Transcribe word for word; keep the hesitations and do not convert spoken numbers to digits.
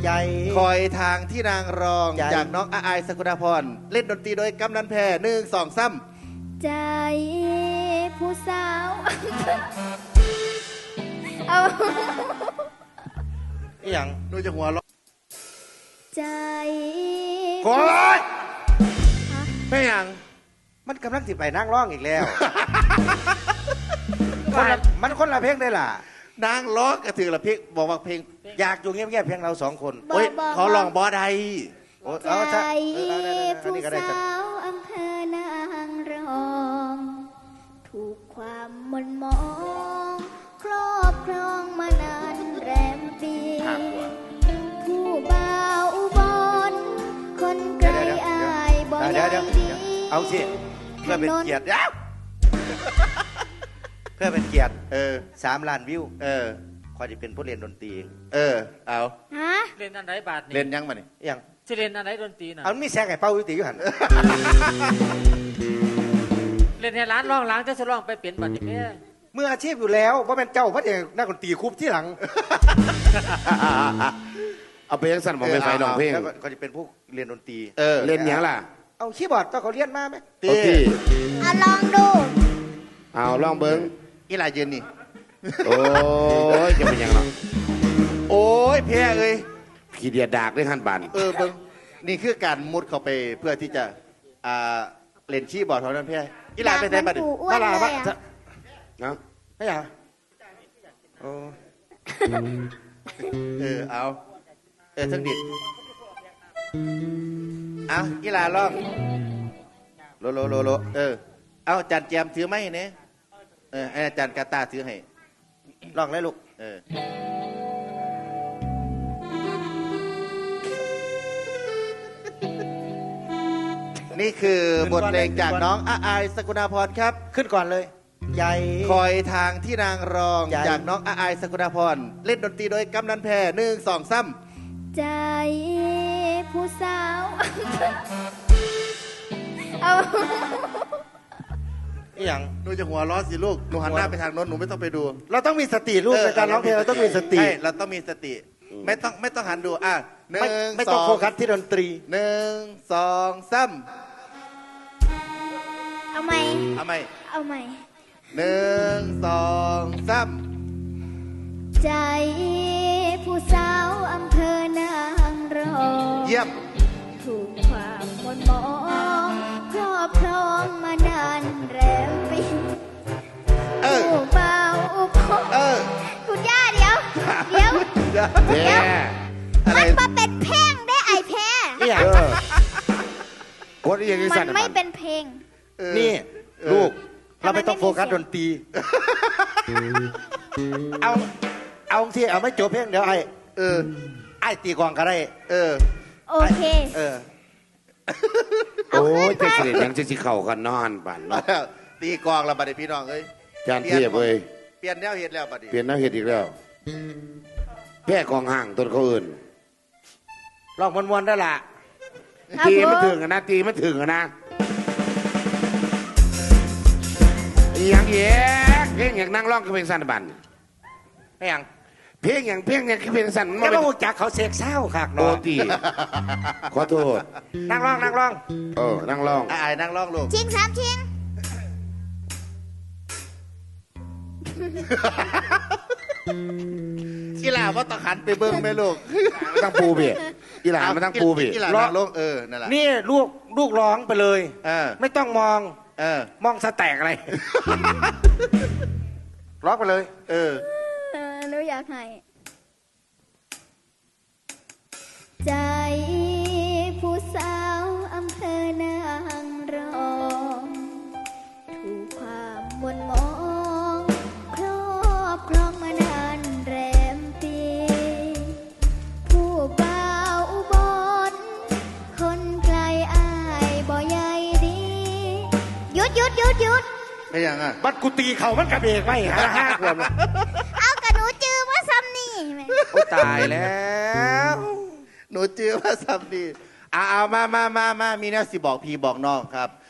ใจคอยทางที่นางรองจากน้องอาอายสกุณาพรเล่นดนตรีโดยกำนันแพรหนึ่งสองซ้ำใจผู้สาวเอาอีหยังนูจะหัวเราะใจโอ้ยไม่หยังมันกำลังติดไปนั่งร้องอีกแล้วมันคนละเพลงได้ล่ะนางร้องกระถือละเพลงบอกว่าเพลงอยากอยู่เงียบๆเพียงเราสองคนโอ้ยเขาลองบอใดใจผู้สาวอำเภอนางรองถูกความมนมองครอบครองมานานแรมปีผู้บ่าวอุบลคนไกลอายบ่ยังดีเอาสิเพื่อเป็นเกียรติแล้วเพื่อเป็นเกียรติเออสามล้านวิวเออคอยจะเป็นผู้เรียนดนตรีเออเอาฮะเรียนอันไหนบาทนี่เรียนยังมาเนี่ยยังจะเรียนอันไหนดนตรีนะเอามีแซงไอ้เป้าวิติอยู่หันเรียนในร้านร้องล้างจะสร้องไปเปลี่ยนบัตรนี่แม่เมื่ออาชีพอยู่แล้วว่าเป็นเจ้าพระเอกนักดนตรีคุบที่หลังเอาเพลงสั้นมาไปไฟลองเพลงก็จะเป็นผู้เรียนดนตรีเออเล่นยังล่ะเอาคีย์บอร์ดต้องเขาเรียนมาไหมตีเอาลองดูเอาลองเบิ้งอีหลายยืนนี่โอ้ยจะเป็นยังไงโอ้ยเพี้ยเลยขี้เดียดดากได้หันบันเออเบิ้งนี่คือการมุดเข้าไปเพื่อที่จะอ่าเล่นคีย์บอร์ดเท่านั้นเพี้ยอีหลายไปไหนบัดนี้ถ้าลาบัดนะไม่อยากโอ้เออเอาเออทั้งดิดเอาอีหลาลองโลโลโลโลเออเอาจานแจมถือไหมเนี่ยเอออาจารย์กาตาถือให้ลองเลยลูกเออนี่คือบทเพลงจากน้องอาอายสกุณาพรครับขึ้นก่อนเลยใหญ่คอยทางที่นางรองจากน้องอาอายสกุณาพรเล่นดนตรีโดยกำนันแพรหนึ่งสองซ้ำใจผู้สาวเอาอีหยังหนูจะหัวร้อนสิลูกหนูหันหน้าไปทางโน้นหนูไม่ต้องไปดูเราต้องมีสติลูกในการร้องเพลงเราต้องมีสติใช่เราต้องมีสติไม่ต้องไม่ต้องหันดูอ่ะหนึ่งไม่ต้องโฟกัสที่ดนตรีหนึ่งสองซ้ำเอาไหมเอาไหมเอาไหมหนึ่งสองซ้ำใจผู้สาวอำเภอนางรองเยี่ยมถูกความมนมองครอบครองมานานแรมปีผู้เบาอุปเออคุณย่าเดี๋ยวเดี๋ยวเดี๋ยวมันมาเป็นเพลงได้ไอแพ้เนี่ยมันไม่เป็นเพลงนี่ลูกเราไม่ต้องโฟกัสดนตรีเอาเอาที่เอาไม่จบเพลงเดี๋ยวไอเออไอตีกองก็ได้เออโอเคเออโอ้ยจะเสด็จยังจะสิเข่ากันนอนปั่นตีกองแล้วบัดนี้พี่น้องเอ้ยจานเทียบเลยเปลี่ยนแนวเห็ดแล้วบัดนี้เปลี่ยนแนวเห็ดอีกแล้วแพ้กองห่างต้นเขาอื่นลองมวนๆได้ละตีไม่ถึงนะตีไม่ถึงนะอย่างเงี้ยเพลงอย่างนั่งร้องคือเพลงสั้นบันไม่อย่างเพลงอย่างเพลงอย่างคือเพลงสั้นมันไม่รู้จักเขาเสกเศร้าค่ะโนตีขอโทษนั่งร้องนั่งร้องเออนั่งร้องอายนั่งร้องลูกชิงสามชิงกีฬาว่าต้องหันไปเบิ้งไหมลูกตั้งปูเบียกีฬาไม่ตั้งปูเบียกีฬานั่งลงเออนั่นแหละนี่ลูกลูกร้องไปเลยเออไม่ต้องมองเออมองสแต็กอะไรร้องไปเลยเออหนูอยากให้ใจผู้สาวอำเภอนางรองถูกความมนมองครอบครองมานานแรมปีผู้บ่าวอุบลคนไกลอายบ่ใหญ่ดีหยุดหยุดหยุดหยุดไม่ยังอ่ะบัดกุตีเขามันกระเบกไม่หาห้าขวบเอากระหนูจื้อมาซ้ำนี่โอ้ตายแล้วหนูจื้อมาซ้ำนี่เอามามามามามีแนวสิบอกพี่บอกน้องครับ